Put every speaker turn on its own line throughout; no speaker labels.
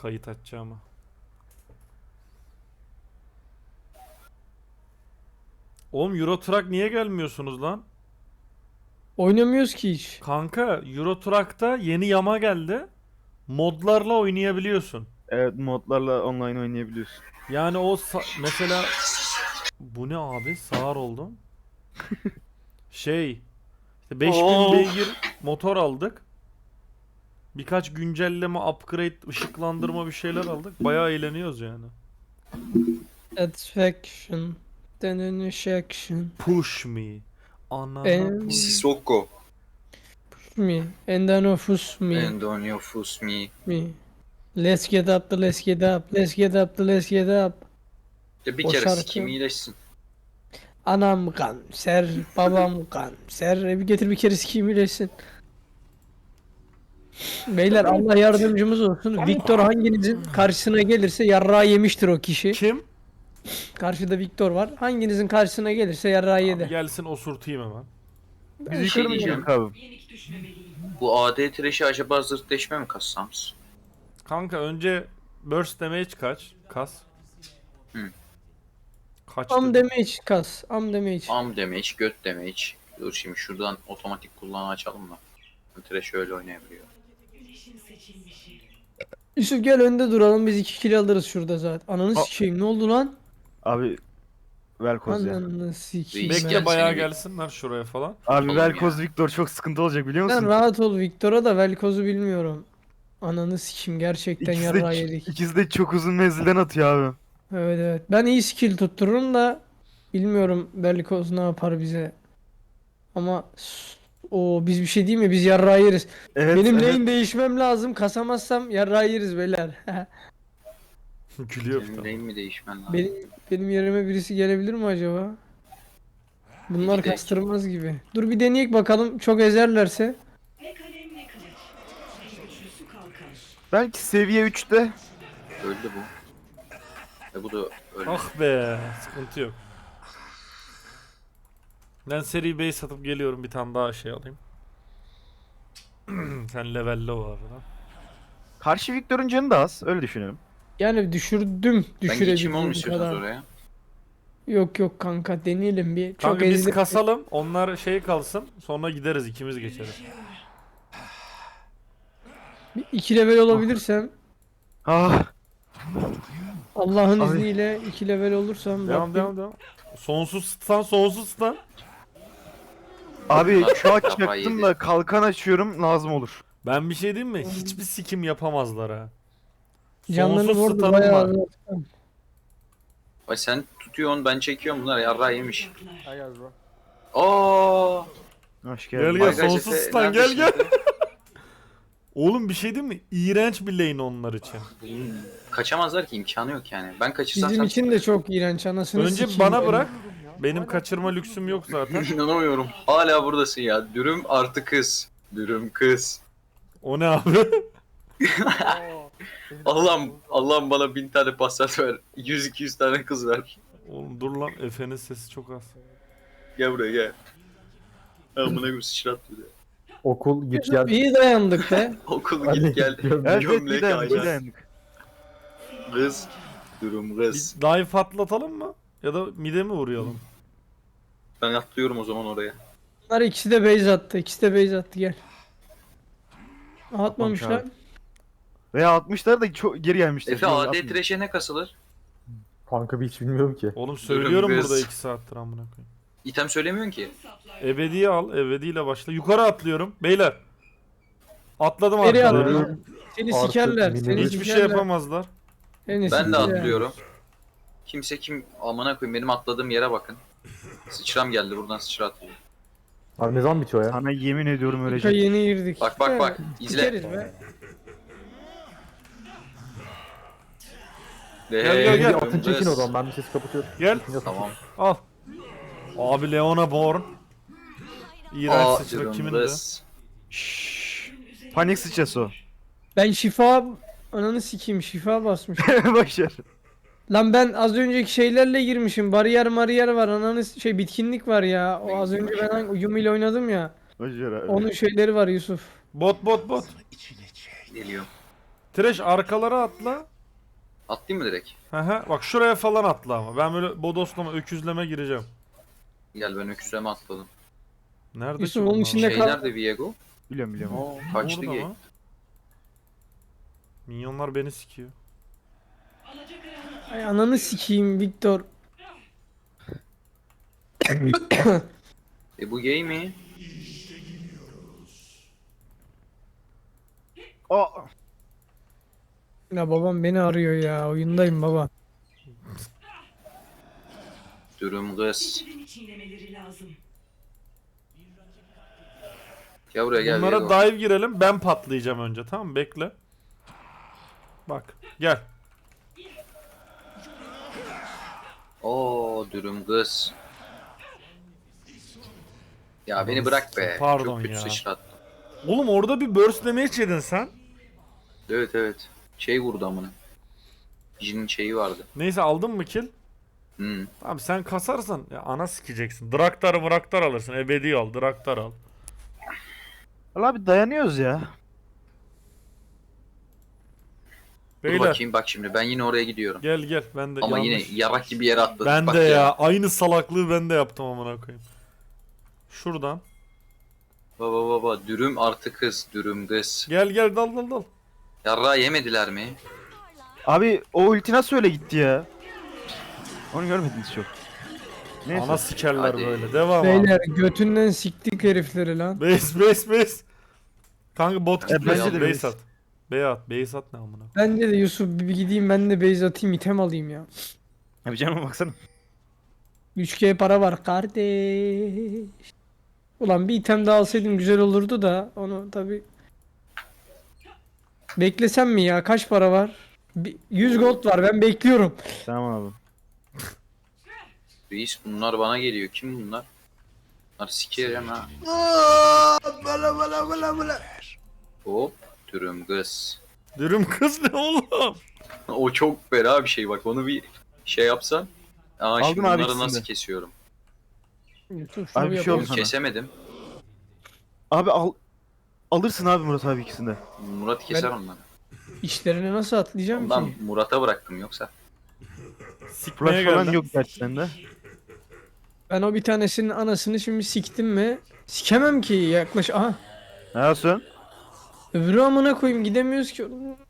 kayıt açacağıma. Oğlum Euro Truck niye gelmiyorsunuz lan?
Oynamıyoruz ki hiç.
Kanka Euro Truck'ta yeni yama geldi. Modlarla oynayabiliyorsun.
Evet, modlarla online oynayabiliyorsun.
Yani o mesela bu ne abi? Sağır oldum. İşte 5000 beygir motor aldık. Birkaç güncelleme, upgrade, ışıklandırma bir şeyler aldık. Bayağı eğleniyoruz yani.
Satisfaction. Satisfaction.
Push me. Anana push.
Sissoko.
Me. And then of us me.
Endonio Fusmi.
Me. Let's get up the let's get up. Let's get up the let's get up.
Ya bir
O
kere
şarkı-
sikim iyileşsin.
Anam kanser, babam kanser. Bir getir bir kere sikeyim iyileşsin. Beyler Allah yardımcımız olsun. Viktor hanginizin karşısına gelirse yarrağı yemiştir o kişi.
Kim?
Karşıda Viktor var. Hanginizin karşısına gelirse yarrağı
Abi
yedi.
gelsin osurtayım hemen.
Biz
şey
yukarı mı
diyeceğim.
gidelim abi?
Bu AD trash'i acaba zırhleşme mi kassams?
Kanka önce burst damage kas.
Hı.
Kaç
Am
dedim?
damage kas. Am damage.
Am damage, göt damage. Dur şimdi şuradan otomatik kullanı açalım mı? Trash öyle oynayabiliyor.
Yusuf gel önde duralım biz 2 kill alırız şurada zaten. Ananı sikeyim ne oldu lan?
Abi Velkoz ya.
Ananı sikeyim.
Reis
Bekle
gel
bayağı
seni bir-
gelsinler şuraya falan.
Abi
Oğlum
Velkoz
ya.
Victor çok sıkıntı olacak biliyor
Sen
musun?
rahat ol Viktor'a da Velkoz'u bilmiyorum. Ananı sikeyim gerçekten
İkisi
yarrağı
de,
yedik.
ikisi de çok uzun menzilden atıyor abi.
Evet evet. Ben iyi skill tuttururum da bilmiyorum Velkoz ne yapar bize. Ama o biz bir şey değil mi? Biz yarrağı yeriz.
Evet,
Benim
evet.
lane değişmem lazım. Kasamazsam yarrağı yeriz beyler.
Gülüyor bir
Senin
tane.
lane mi değişmen lazım?
benim yerime birisi gelebilir mi acaba? Bunlar
Gidelim.
kastırmaz gibi. Dur bir deneyek bakalım. Çok ezerlerse.
Belki seviye 3'te.
Öldü bu. Bu da öldü.
Ah be, sıkıntı yok. Ben seri base satıp geliyorum, bir tane daha şey alayım. Sen levelle o abi lan.
Karşı Victor'un canı da az. Öyle düşünüyorum.
Yani düşürdüm.
Ben geçeyim
Düşürebildiğim
olmuyorsunuz
kadar.
oraya.
Yok yok kanka deneyelim bir. Çok
Kanka biz
ezdi.
kasalım, onlar şey kalsın, sonra gideriz, ikimiz geçeriz.
Bir 2 level olabilirsem
Ah.
Allah'ın
Abi.
izniyle 2 level olursam
Devam
Rabbim-
devam devam. Sonsuz stun, sonsuz stun.
Abi
Bunlar
şu an
kafayı
çaktım
yedi.
da kalkan açıyorum lazım olur.
Ben bir şey diyeyim mi? Hiçbir sikim yapamazlar ha.
Canlarını
Sonsuz
orada
stun'ım
bayağı
var.
Ay sen tutuyorsun ben çekiyorum bunlar yarrağı yemiş. Aa!
Hoş
Gel
geldin.
gel,
Bagaj
sonsuz
Efe,
stun, gel
neredesin
gel.
Efe?
Oğlum bir şey değil mi? İğrenç bir lane onlar için.
Kaçamazlar ki imkanı yok yani. Ben kaçırsam
Bizim
sen...
için de çok iğrenç anasını
Önce
sikeyim
bana
ben.
bırak. Benim kaçırma lüksüm yok zaten.
İnanamıyorum. Hala buradasın ya. Dürüm artı kız. Dürüm kız.
O ne abi?
Allah'ım bana 1000 tane pasat ver. 100-200 tane kız ver.
Oğlum dur lan, Efe'nin sesi çok az.
Gel buraya gel. Amına koyayım sıçrat bir de.
Okul git gel.
İyi dayandık be.
Okul
Hadi
git gel.
gidiyorum.
Evet,
Gömlek
bir dayandık, bir
aynen.
dayandık.
Kız. Dürüm
Bir
kız.
dive atlatalım mı? Ya da mide mi vuruyalım?
Ben atlıyorum o zaman oraya.
Bunlar ikisi de base attı. İkisi de base attı gel. Atmamışlar.
abi. Veya 60'lar da çok geri gelmişler.
Efe
Yok,
AD
atmıyor.
trash'e ne kasılır?
Kanka hiç bilmiyorum ki.
Oğlum söylüyorum
Dürüm
burada
kız.
2 saattir amına koyayım.
İtem söylemiyorsun ki.
Ebedi'yi al, ebediyle başla. Yukarı atlıyorum beyler. Atladım
Nereye
arkaya.
atladın? Seni
Artık
sikerler.
minimum-
Seni
Hiçbir şey
sikerler.
yapamazlar.
Seni
Ben de
sikerler.
atlıyorum. Kimse kim amına koyayım benim atladığım yere bakın. Sıçram geldi buradan sıçra atlıyor.
Abi ne zaman bitiyor ya?
Sana yemin ediyorum
Dakika
ölecek.
yeni girdik.
Bak bak bak izle.
Sikeriz be.
Gel, gel, gel.
Bir atın çekin o zaman ben bir sesi kapatıyorum.
Gel.
Tamam.
Al. Abi Leona Born. İğrenç
Aa
sıçra kimin de?
Dürümdüz.
Şşş. Panik sıçrası o.
Ben şifa... Ananı sikeyim şifa basmış.
Başar.
Lan ben az önceki şeylerle girmişim. Bariyer var. Ananı bitkinlik var ya. O az önce ben Yumi ile oynadım ya.
Başar abi.
Onun şeyleri var Yusuf.
Bot.
Geliyor.
Trash arkalara atla.
Atlayayım mı direkt?
Hı, bak şuraya falan atla ama. Ben böyle bodoslama, öküzleme gireceğim.
Gel ben öküzleme atladım.
Nerede
Yusuf,
ki
onun
bunlar?
içinde
Şey
kal.
nerede Viego?
Biliyorum biliyorum.
Oo kaçtı
Burada
gay.
mı? Minyonlar beni sikiyor.
Ay ananı sikeyim Victor.
Bu gay mi?
Aa,
Ya babam beni arıyor ya. Oyundayım baba.
Dürüm kız.
Birini çiğnemeleri lazım.
Gel buraya gel
Bunlara
Viego.
dive girelim. Ben patlayacağım önce, tamam mı? Bekle. Bak gel.
Oo dürüm kız. Ya beni bırak be.
Pardon
Çok kötü
ya.
sıçrattım.
Oğlum orada bir burst damage yedin sen.
Evet evet. Şey vurdu amına. Jin'in şeyi vardı.
Neyse, aldın mı kill?
Hmm.
Tamam, sen kasarsan ya ana sikeceksin. Draktar alırsın. Ebedi al. Draktar al.
Valla abi dayanıyoruz ya.
Dur
Beyler
bakayım bak şimdi ben yine oraya gidiyorum.
gel ben de
Ama
yanlış.
yine yarak gibi yere atladık.
Ben
bak
de ya. Aynı salaklığı ben de yaptım amına koyayım. Şuradan.
Baba dürüm artı kız dürüm kız.
Gel dal.
Yarrağı yemediler mi?
Abi o ulti nasıl öyle gitti ya? Onu görmediniz çok. Neyse.
Ana sikerler
Hadi.
böyle. Devam abi.
Beyler götünden siktik herifleri lan.
Base. Kanka bot git.
bence de
Base
base.
at. Base at ne amına.
Bence de Yusuf bir gideyim ben de base atayım item alayım ya.
Abi canıma baksana.
3G para var kardeş. Ulan bir item daha alsaydım güzel olurdu da onu tabi. Beklesem mi ya? Kaç para var? 100 gold var, ben bekliyorum.
Tamam abi.
Reis bunlar bana geliyor. Kim bunlar? Bunlar sikerim ha. Hop dürüm kız.
Dürüm kız ne oğlum?
O çok fena bir şey bak onu bir şey yapsan. Aa
Aldım
şimdi
abi
bunları
ikisini
nasıl
de.
kesiyorum?
Yusuf şunu
Abi bir şey
yapalım.
oldu sana.
Kesemedim.
Abi alırsın abi Murat abi ikisini de.
Murat keser onları.
İçlerine nasıl atlayacağım
Ondan
ki?
Murat'a bıraktım yoksa.
Sikmeye
Flash falan
geldim.
yok gerçekten de.
Ben o bir tanesinin anasını şimdi siktim mi? Sikemem ki yaklaş. Aha.
Ne yapıyorsun?
Öbürü amına koyayım gidemiyoruz ki.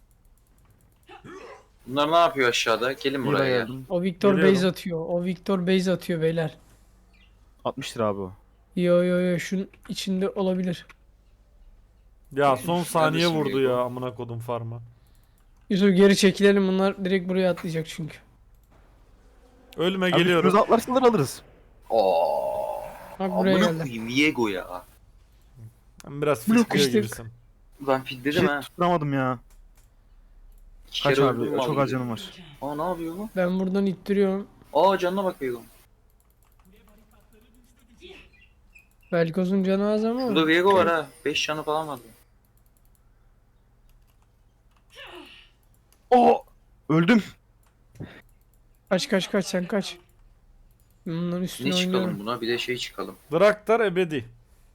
Bunlar ne yapıyor aşağıda? Gelin
İyi
buraya.
geldim.
O Victor
Geliyorum.
base atıyor. O Victor base atıyor beyler.
60 lira abi o.
Yo şunun içinde olabilir.
Ya son saniye
Neredesin
vurdu
Diego?
ya amına kodum farma.
Yusuf geri çekilelim, bunlar direkt buraya atlayacak çünkü.
Ölme
Abi
geliyorum.
üstümüze atlarsalar alırız.
Aa,
Bak buraya
amına
geldi.
koyayım Viego ya.
Ben biraz
Blok
fitliyor
işte.
gibisin.
Ben
Bir
fitledim
şey
ha.
tutturamadım ya.
İki
Kaç
kere
abi?
öldüm
Çok
vallahi.
az canım var.
Aa ne yapıyor bu?
Ben buradan ittiriyorum.
Aa canına bak Viego.
Velkoz'un canı az ama.
Burada Viego var ha. 5 canı falan vardı.
Oo! Öldüm.
Kaç sen kaç. Bunların
Ne
üstüne
çıkalım
oynuyorum.
buna? Bir de şey çıkalım.
Draktar ebedi.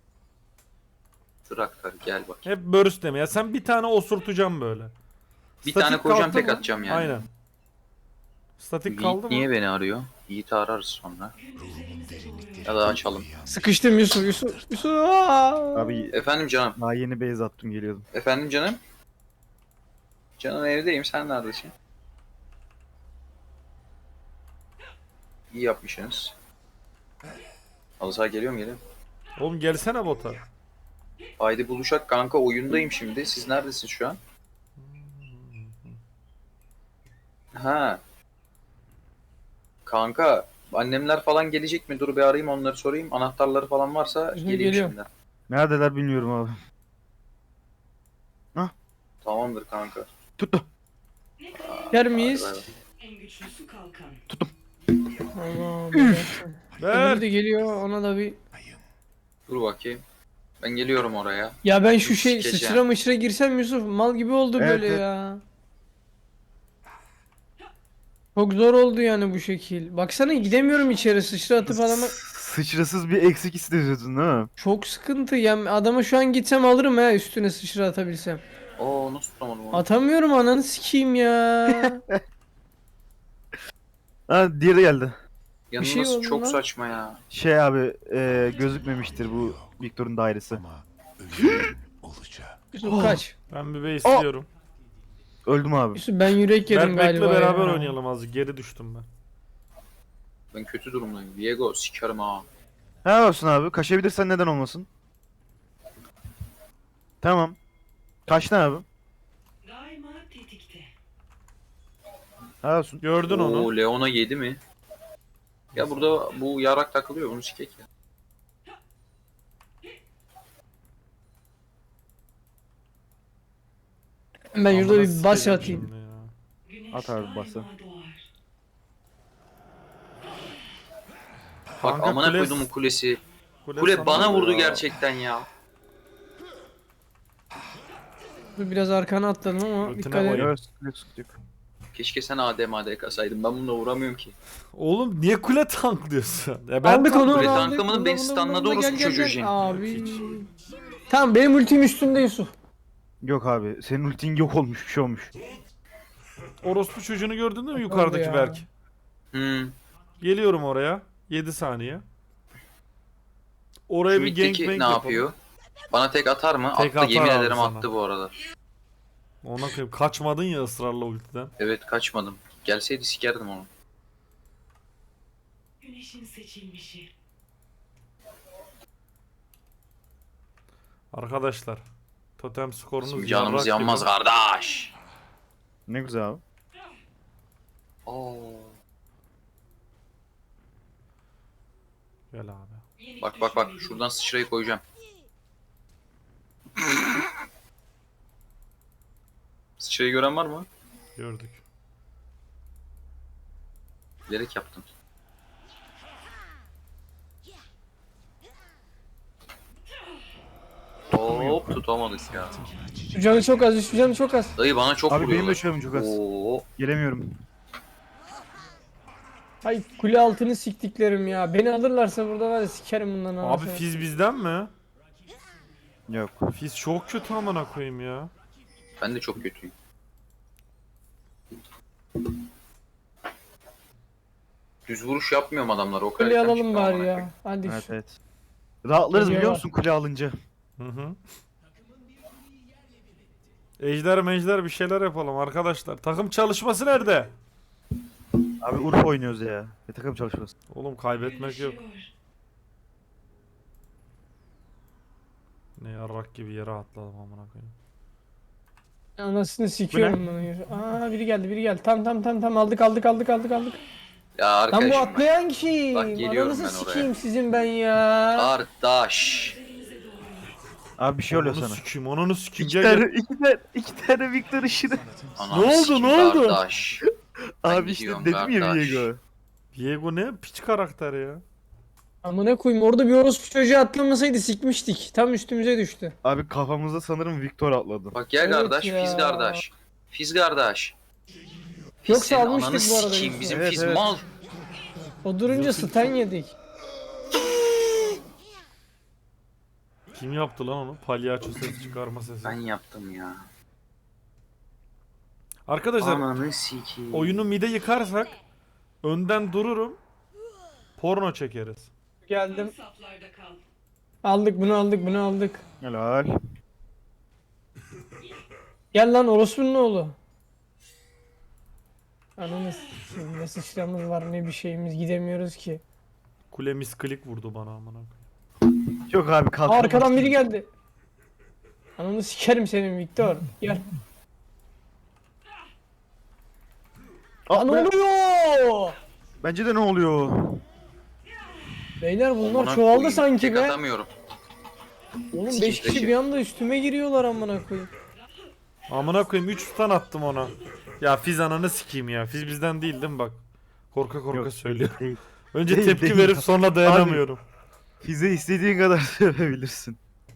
Traktar gel bak.
Hep burst deme. Ya sen bir tane osurtacağım böyle.
Bir
Statik
tane koyacağım
kalktı
tek
mı?
atacağım yani.
Aynen. Statik kaldı
Yiğit
mı?
niye beni arıyor? Yiğit'i ararız sonra. Ya da açalım.
Sıkıştım Yusuf. Aa!
Abi
Efendim canım.
daha yeni base attım geliyordum.
Efendim canım. Canım evdeyim. Sen neredesin? İyi yapmışsınız. Alsa geliyorum geliyorum.
Oğlum gelsene bota.
Haydi buluşak kanka oyundayım şimdi. Siz neredesiniz şu an? Ha. Kanka annemler falan gelecek mi? Dur bir arayayım onları sorayım. Anahtarları falan varsa geleyim
Geliyor.
şimdi.
Neredeler bilmiyorum abi.
Tamamdır kanka.
Tuttu.
Yer miyiz?
Hadi bay bay.
En güçlüsü kalkan.
Tamam.
Ver.
Öbürü de geliyor, ona da bir.
Dur bakayım. Ben geliyorum oraya.
Ya ben şu şey
Sikeceğim.
sıçra mışıra girsem Yusuf mal gibi oldu
Evet,
böyle
evet.
ya. Çok zor oldu yani bu şekil. Baksana gidemiyorum içeri, sıçra atıp adama.
Sıçrasız bir eksik istiyordun değil mi?
Çok sıkıntı ya, adama şu an gitsem alırım ha, üstüne sıçra atabilsem.
Oo nasıl tutamadım onu?
Atamıyorum ananı sikeyim ya.
Ha diğeri geldi.
Yalnız
şey oldu
çok
lan.
saçma ya.
Şey abi gözükmemiştir bu Victor'un dairesi.
Yusuf kaç.
Ben bir istiyorum.
Öldüm abi.
Yusuf ben yürek yedim
Berk'le
galiba
beraber
ya.
oynayalım azıcık. Geri düştüm ben.
Ben kötü durumdayım. Viego sikerim ha.
Helal olsun abi. Kaçabilirsen neden olmasın? Tamam. Kaçtın abi.
Daima tetikte.
Helal olsun.
Gördün onu.
Oo Leona yedi mi? Ya burada bu yarak takılıyor bunu sikek ya.
Ben yurda
Amına
bir bas
sikeceğim
atayım.
şimdi ya.
Güneş
At abi,
daima
bası.
doğar.
Bak
Kanka
amına
kule-
koydum kulesi.
Kule
Kule
sana
bana
vuruyor
vurdu
ya.
gerçekten ya.
Dur biraz arkana atladım ama
Rutine
dikkat et.
koyayım.
Yok, sıkıntı yok.
Keşke sen AD kasaydım. Ben bununla vuramıyorum ki.
Oğlum niye kule tanklıyorsun? Ya ben
Aldık onu
Kule
onu
tanklamanın
aldık.
beni
Bunda,
stunladı
bunda,
orospu
gel, gel,
çocuğu
gel.
Jin.
Abi. Tamam benim ultim üstünde Yusuf.
Yok abi. Senin ultin yok olmuş. Bir şey olmuş.
Orospu çocuğunu gördün mü
Oldu
yukarıdaki
ya.
Berk?
Hmm.
Oraya. 7 saniye. Oraya
Şu
bir
middeki
gangbang
ne yapıyor? Bana tek atar mı?
Tek
Attı yemin
atar abi
ederim
sana.
attı bu arada.
Ona koyayım. Kaçmadın ya ısrarla ultiden.
Evet kaçmadım. Gelseydi sikerdim onu.
Güneşin seçilmişi.
Arkadaşlar. Totem skorunuz
Bizim canımız
yarrak
yanmaz
gibi.
kardeş.
Ne güzel abi.
Oo.
Gel abi.
Yenik
Bak bak bak
düşmanı
şuradan sıçrayı koyacağım. Sıçrayı gören var mı?
Gördük.
Bilerek yaptım. Hop tutamadık ya.
Şu canı çok az, şu canı çok az.
Dayı bana çok
Abi benim de
vuruyorlar.
şöyle çok az.
Oo.
Gelemiyorum.
Ay kule altını siktiklerim ya. Beni alırlarsa burada var ya sikerim bundan
Abi
anasını.
Fizz bizden mi?
Yok.
Fizz çok kötü amına koyayım ya.
Ben de çok kötüyüm. Düz vuruş yapmıyorum adamlar o kadar.
Kuleyi
erken
alalım
çıktı
bari
amına
ya.
koyayım.
Hadi.
Evet evet. Rahatlarız biliyor
Geliyorlar.
musun kule alınca?
Hı hı. Ejder bir şeyler yapalım arkadaşlar. Takım çalışması nerede?
Abi Urfa oynuyoruz ya. Takım çalışması.
Oğlum kaybetmek yok.
Güneşiyor.
Ne yarrak gibi yere atladım amına koyayım.
Anasını sikiyorum bunu. Aa biri geldi. Tam aldık.
Ya
Lan bu
arkadaşım bak.
atlayan kim?
Bak geliyorum
Ananızı
ben oraya.
sikeyim sizin ben ya.
Kardeş.
Abi bir şey oluyor
Ananı
sana.
sikeyim, ananı sikeyim.
İki
Gel
tane,
gel.
iki tane Victor ışını.
Ananı
Ne oldu,
sikeyim
ne oldu?
Kardeş. Ben
Abi işte
gidiyorum
dedim ya
kardeş.
Viego.
Diego ne piç karakter ya.
Amına koyayım orada bir orospu çocuğu atlamasaydı sikmiştik. Tam üstümüze düştü.
Abi kafamızda sanırım Victor atladı.
Bak gel
Evet
kardeş,
ya.
Fiz kardeş. Fiz kardeş. Fiz
Yoksa
senin
almıştık
ananı
bu arada
sikeyim
biz.
bizim
Evet,
Fiz
evet.
mal.
O durunca stun yedik.
Kim yaptı lan onu? Palyaço ses çıkarma sesi.
Ben yaptım ya.
Arkadaşlar
Ananı sikeyim.
oyunu mide yıkarsak önden dururum. Porno çekeriz.
Geldim.
Saflarda kal.
Aldık bunu aldık.
Helal.
Gel lan orospunun oğlu. Ananı sikeyim ne sıçramız var ne bir şeyimiz gidemiyoruz ki.
Kulemiz klik vurdu bana amına koyayım.
Yok abi
Aa,
kalkamaz.
arkadan biri geldi. Ananı sikerim senin Victor. Gel. Aa, ne oluyor?
Bence de ne oluyor?
Beyler bunlar
Amına
çoğaldı
koyayım,
sanki
tek
be.
atamıyorum.
Oğlum 5
Sikeyim,
kişi
peki.
bir anda üstüme giriyorlar amına koyayım.
Amına koyayım 3 stun attım ona. Ya Fiz ananı sikeyim ya. Fiz bizden değil değil mi bak. Korka
Yok,
söylüyor.
değil.
Önce
Değil,
tepki
değil.
verip sonra dayanamıyorum.
Fize istediğin kadar söyleyebilirsin.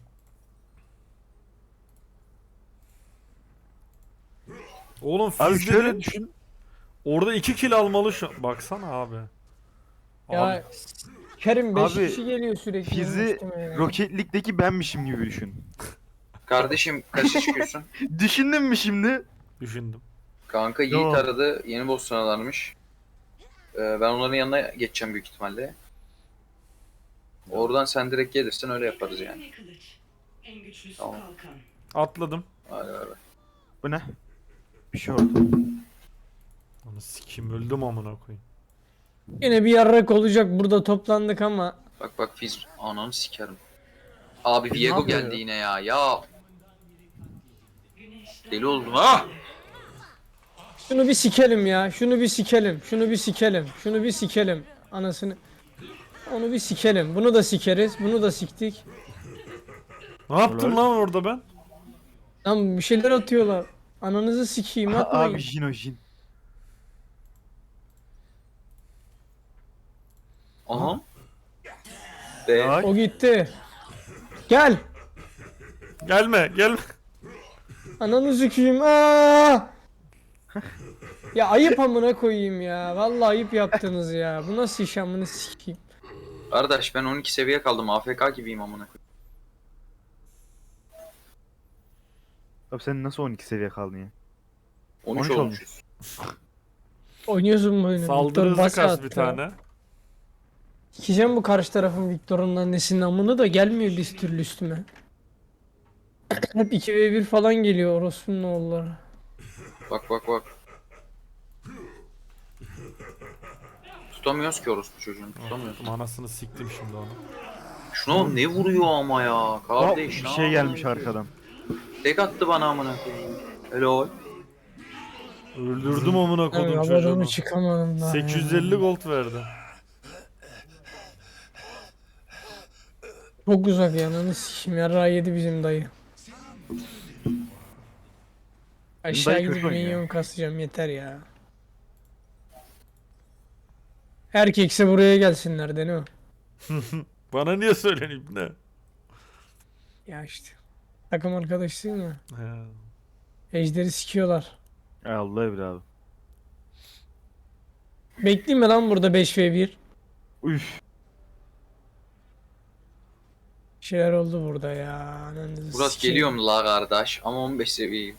Oğlum
Abi
Fiz
şöyle
dedin,
düşün.
orada 2 kill almalı şu. Baksana abi.
Ya
Abi,
Kerim 5
Abi,
kişi geliyor sürekli.
Fizi
üstüme ya.
Rocket League'deki benmişim gibi düşün.
Kardeşim kaça çıkıyorsun?
Düşündün mü şimdi?
Düşündüm.
Kanka Yiğit
Yo.
aradı. Yeni boss sanalarmış. Ben onların yanına geçeceğim büyük ihtimalle. Oradan sen direkt gelirsin öyle yaparız yani.
Ne kılıç. En güçlüsü
Tamam.
kalkan.
Atladım.
Hadi hadi.
Bu ne? Bir şey oldu.
Onu sikeyim öldüm amına koyayım.
Yine bir yarrak olacak burada toplandık ama.
Bak bak Fizz ananı sikerim. Abi
Ne
Viego
yapıyor
geldi
ya?
yine ya. Ya
Güneşten
deli oldum ha.
Şunu bir sikelim ya. Şunu bir sikelim. Şunu bir sikelim. Şunu bir sikelim. Anasını. Onu bir sikelim. Bunu da sikeriz. Bunu da siktik.
Ne yaptım lan orada ben?
Lan bir şeyler atıyorlar. Ananızı sikeyim atmayın.
Abi Jin o Jin.
Aha. Be.
Ay.
O gitti. Gel.
Gelme gelme.
Ananı sikeyim. Aa! Ya ayıp amına koyayım ya. Vallahi ayıp yaptınız ya. Bu nasıl iş amına sikeyim.
Kardeş ben 12 seviye kaldım. AFK gibiyim amına koyayım.
Abi sen nasıl 12 seviye kaldın ya?
13
13
olmuşuz.
Oynuyorsun bu oyunu.
Saldırı
Victor
hızı
basa
kas
attı.
bir tane.
Sikeceğim bu karşı tarafın Victor'un annesinin amını da gelmiyor bir türlü üstüme. Hep 2v1 falan geliyor orospunun oğulları.
Bak bak bak. Tutamıyoruz ki orospu çocuğunu. Tutamıyoruz.
Anasını siktim şimdi onu.
Şuna ne vuruyor ama ya.
Aa,
Kardeş.
bir
ne
şey gelmiş
yapıyorsun?
arkadan.
Tek attı bana amına koyayım. Helal.
Öldürdüm amına
Abi
kodum
havadan
çocuğunu.
çıkamadım daha.
850 gold verdi.
Çok uzak ya ananı sikeyim yarrağı yedi bizim dayı. Aşağı
dayı
gidip
kötü oynuyor.
minyon kasacağım yeter ya. Erkekse buraya gelsinler Deno.
Bana niye söyleniyor ne?
Ya işte. Takım arkadaşsın ya.
He.
Ejderi sikiyorlar.
Ay Allah bir abi.
Bekleyeyim mi lan burada 5v1?
Üf.
Bir şeyler oldu burada ya. Ananızı
Burası
sikeyim.
geliyorum la kardeş ama 15 seviyeyim.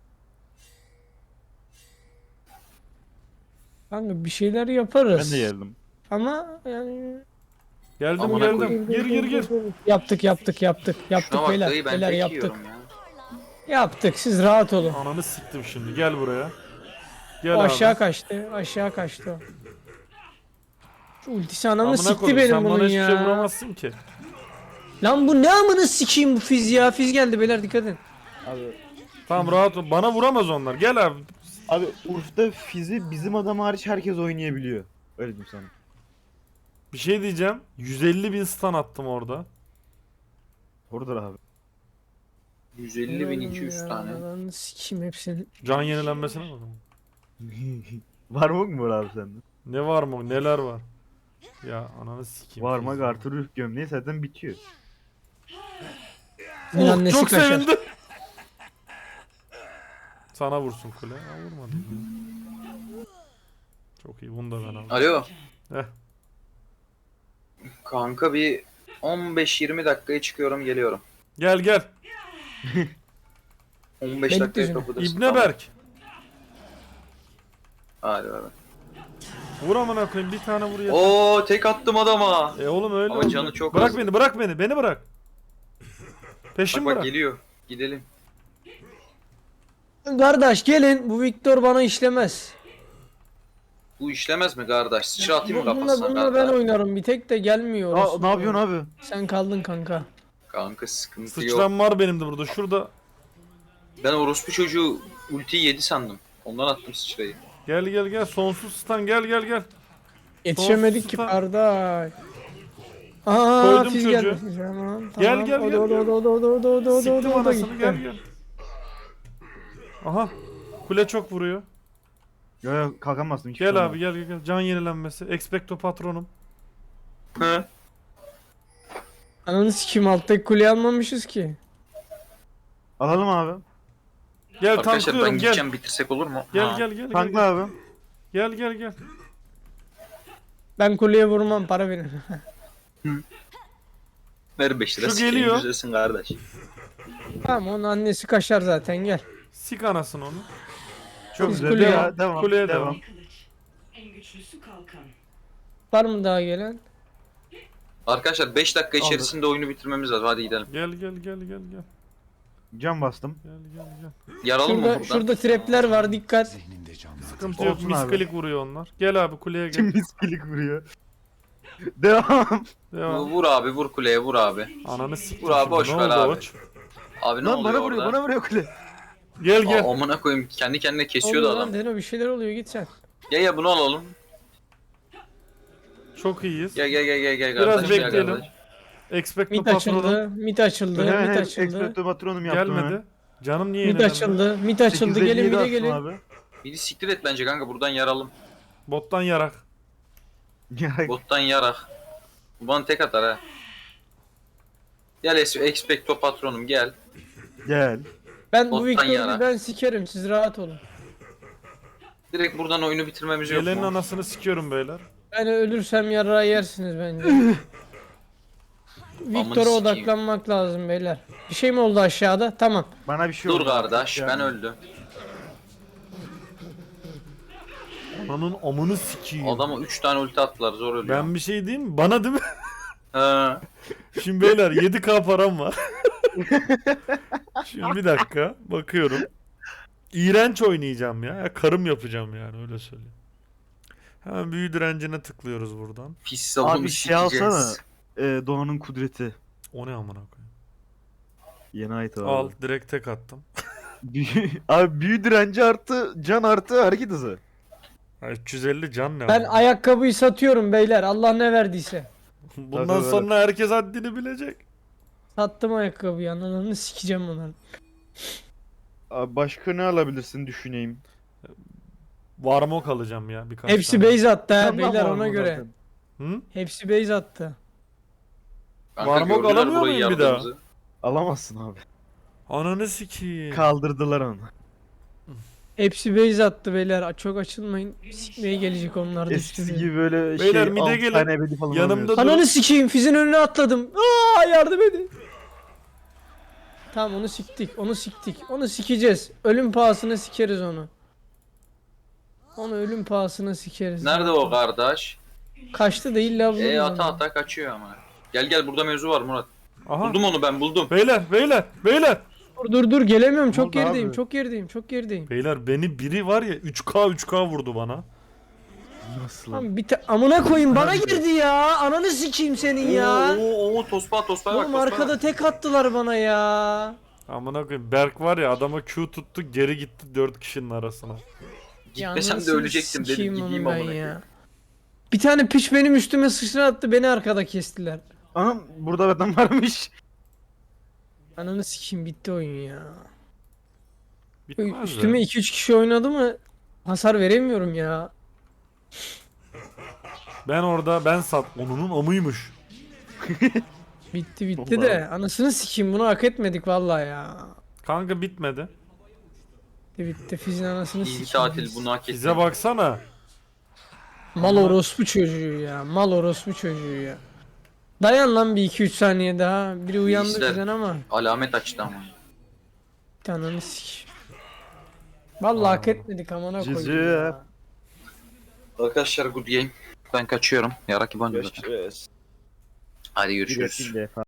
Kanka bir şeyler yaparız.
Ben de geldim.
Ama yani
Geldim
Amına
geldim.
koyayım.
Gir.
yaptık. Yaptık
Şuna bak
beyler.
dayı ben
Beyler
tek
yaptık.
yiyorum ya.
Yaptık. Siz rahat olun.
Ananı siktim şimdi. Gel buraya. Gel
O aşağı
abi.
kaçtı. Aşağı kaçtı o. Şu ultisi anamı
Amına
sikti
koydum.
benim
Sen bana
bunun
hiçbir
ya.
şey vuramazsın ki.
Lan bu ne amını sikeyim bu fiz ya. Fiz geldi beyler dikkat edin.
Tamam rahat ol. Bana vuramaz onlar. Gel abi.
Abi Urf'ta Fizz'i bizim adam hariç herkes oynayabiliyor. Öyle diyeyim sana.
Bir şey diyeceğim. 150 bin stun attım orada.
Oradır abi.
150.200 tane.
Lan sikeyim hepsini.
Can yenilenmesine bakın.
Var mı mı abi sende?
Ne var mı? Neler var? Ya ananı sikeyim.
Varmak artı ruh gömleği zaten bitiyor.
Senin annesi
çok
kaçar.
sevindim. Sana vursun kule. Ha, vurmadı. Çok iyi. Bunu da ben aldım.
Alo.
Heh.
Kanka bir 15-20 dakikaya çıkıyorum geliyorum.
Gel gel.
15
Bekle
dakikaya
şimdi.
kapıdasın.
İbne Berk.
Hadi hadi.
Vur amına koyayım. Bir tane vur ya.
Oo tek attım adama.
Oğlum öyle
Ama
oldu.
canı çok
Bırak
az.
beni, bırak beni. Beni bırak. Peşim
Bak bak
bırak.
geliyor. Gidelim.
Kardeş gelin bu Victor bana işlemez.
Bu işlemez mi kardeş? Sıçra atayım mı
Bununla,
kafasına
bununla ben
kardeş?
oynarım bir tek de gelmiyor.
Aa,
orası.
ne yapıyorsun abi?
Sen kaldın kanka.
Kanka sıkıntı yok.
Sıçram var benim de burada. Şurada.
Ben orospu çocuğu ultiyi yedi sandım. Ondan attım sıçrayı.
Gel gel gel. Sonsuz stun. Gel gel gel.
Yetişemedik ki
Sonsuza-
kardeş. Aa
Koydum
fiz
çocuğu.
geldi. Tamam,
Gel,
tamam.
gel,
O da,
gel,
o da,
gel.
o da, o da, o da, o da, o da,
Siktim
o da
anasını.
gitti.
Gel gel. Aha. Kule çok vuruyor.
Yo yo kalkamazsın. hiç
Gel
şey
abi gel gel gel. Can yenilenmesi. Expecto patronum.
Hı?
Ananı sikeyim alttaki kuleyi almamışız ki.
Alalım abi.
Gel
Arkadaşlar ben
tanklıyorum gel.
gideceğim bitirsek olur mu?
Gel
Ha.
gel gel.
Tankla
Gel
abi.
gel gel. Gel.
Ben kuleye vurmam para verin.
Ver 5 lira.
Şu
sikeyim,
geliyor.
güzelsin kardeş.
Tamam onun annesi kaşar zaten gel.
Sik anasını onu.
Çok
Siz
güzel.
kuleye-
Devam.
kuleye
Devam.
devam.
Kılıç. En güçlüsü kalkan.
Var mı daha gelen?
Arkadaşlar 5 dakika içerisinde oyunu bitirmemiz lazım. Hadi gidelim.
Gel gel gel gel gel.
Can bastım.
Gel gel gel.
Yaralım mı
Şurada,
buradan?
şurada trapler var dikkat.
Sıkıntı yok.
Olsun abi.
Misklik vuruyor onlar. Gel abi kuleye gel.
Miskilik vuruyor. Devam.
Devam.
Vur abi, vur kuleye, vur abi.
Ananı siktir.
Vur abi,
şimdi.
boş
Ne
ver
oldu
abi.
Oç?
Abi ne
Lan
oluyor
bana vuruyor,
orada?
bana vuruyor kule.
Gel gel.
Amına koyayım, kendi kendine kesiyordu
Oluyor
adam.
lan Deno bir şeyler oluyor git sen.
Ya bunu alalım.
Çok iyiyiz.
Gel
Biraz
kardeş, gel
bekleyelim.
kardeş.
Expecto
Mid
patronum
açıldı, mid açıldı,
Hemen
mid açıldı.
Expecto Patronum yaptım
gelmedi.
hemen.
Canım niye
Mid
yeniledi?
açıldı, mid açıldı.
8'de
Gelin
7
mid'e
attım
gelin.
Abi.
Biri siktir et bence kanka, buradan yaralım.
Bottan yarak.
Ya,
Bottan yarak. Bu bana tek atar ha. Gel Expecto Patronum gel.
Gel.
Ben bu
Bottan
Victor'u
yara.
ben sikerim siz rahat olun.
Direkt buradan oyunu bitirmemiz yok
Gelenin
mu?
anasını sikiyorum beyler.
Ben ölürsem yara yersiniz bence. Victor'a
sikeyim.
odaklanmak lazım beyler. Bir şey mi oldu aşağıda? Tamam.
Bana bir şey
Dur
oldu.
kardeş,
Ya.
ben öldüm.
Ananın amını sikeyim.
Adama 3 tane ulti attılar, zor ölüyor.
Ben bir şey diyeyim mi? Bana değil mi?
Ha.
Şimdi beyler 7K param var. Şimdi bir dakika bakıyorum. İğrenç oynayacağım ya. Karım yapacağım yani öyle söyleyeyim. Hemen büyü direncine tıklıyoruz buradan.
Pis savunu
Abi şey
sikeceğiz.
alsana. Doğan'ın kudreti.
O ne amına koyayım.
Yeni ait abi.
Al direkt tek attım.
Abi büyü direnci artı can artı hareket hızı.
Ha, 350 can ne
Ben
var?
ayakkabıyı satıyorum beyler. Allah ne verdiyse.
Bundan
Tabii,
sonra herkes haddini bilecek.
Sattım ayakkabıyı. Ananı sikeceğim onları.
Abi başka ne alabilirsin düşüneyim.
Varmok alacağım ya birkaç
Hepsi
tane.
base attı ha
Candan
beyler
var
ona
mı
göre.
zaten?
Hı?
Hepsi base attı.
Kanka
Varmok
gördüler
alamıyor
burayı
muyum bir daha?
yaptığımızı.
Alamazsın abi.
Ananı sikeyim.
Kaldırdılar onu.
Hepsi base attı beyler. Çok açılmayın. Sikmeye gelecek onlar da
Eskisi
üstümüze.
gibi böyle
Beyler,
şey
mide
6
gelin.
tane ebedi falan
Yanımda
alamıyorsun.
dur.
Ananı sikeyim. Fizin önüne atladım. Aa yardım edin. Tamam onu siktik. Onu siktik. Onu sikeceğiz. Ölüm pahasına sikeriz onu. Onu ölüm pahasına sikeriz.
Nerede o kardeş?
Kaçtı değil la bu.
Ata ata kaçıyor ama. Gel burada mevzu var Murat.
Aha.
Buldum onu, ben buldum.
Beyler.
Dur gelemiyorum. Çok
oldu
gerideyim.
abi?
Çok gerideyim. Çok gerideyim.
Beyler beni biri var ya 3K vurdu bana.
Nasıl lan?
Lan amına koyayım bana girdi ya. Ananı sikeyim senin ya.
Oo tospa bak
Oğlum
tospa.
arkada tek attılar bana ya.
Amına koyayım Berk var ya adama Q tuttu geri gitti 4 kişinin arasına.
Gitmesem de
anasını
ölecektim dedim,
sikeyim
gideyim
onu ben
amına
ya. Bir tane piç benim üstüme sıçra attı beni arkada kestiler.
Anam burada adam varmış.
Ananı sikeyim bitti oyun ya.
Bitmez
Üstüme
ya.
2-3 kişi oynadı mı hasar veremiyorum ya.
Ben orada ben sat onunun amıymış.
Bitti de anasını sikeyim bunu hak etmedik vallahi ya.
Kanka bitmedi.
Bitti Fizin anasını
İyi
sikeyim.
tatil bunu hak
Bize
ettim.
baksana.
Mal orospu çocuğu ya. Mal orospu çocuğu ya. Dayan lan bir 2-3 saniye daha. Biri uyandı
İzler.
bizden ama.
Alamet açtı ama.
Bir tane sikeyim. Vallahi hak etmedik amına
Cici.
koyayım ya.
Arkadaşlar good game. Ben kaçıyorum. Yarak İban diyorlar.
Görüşürüz.
Hadi görüşürüz.
Bir defa.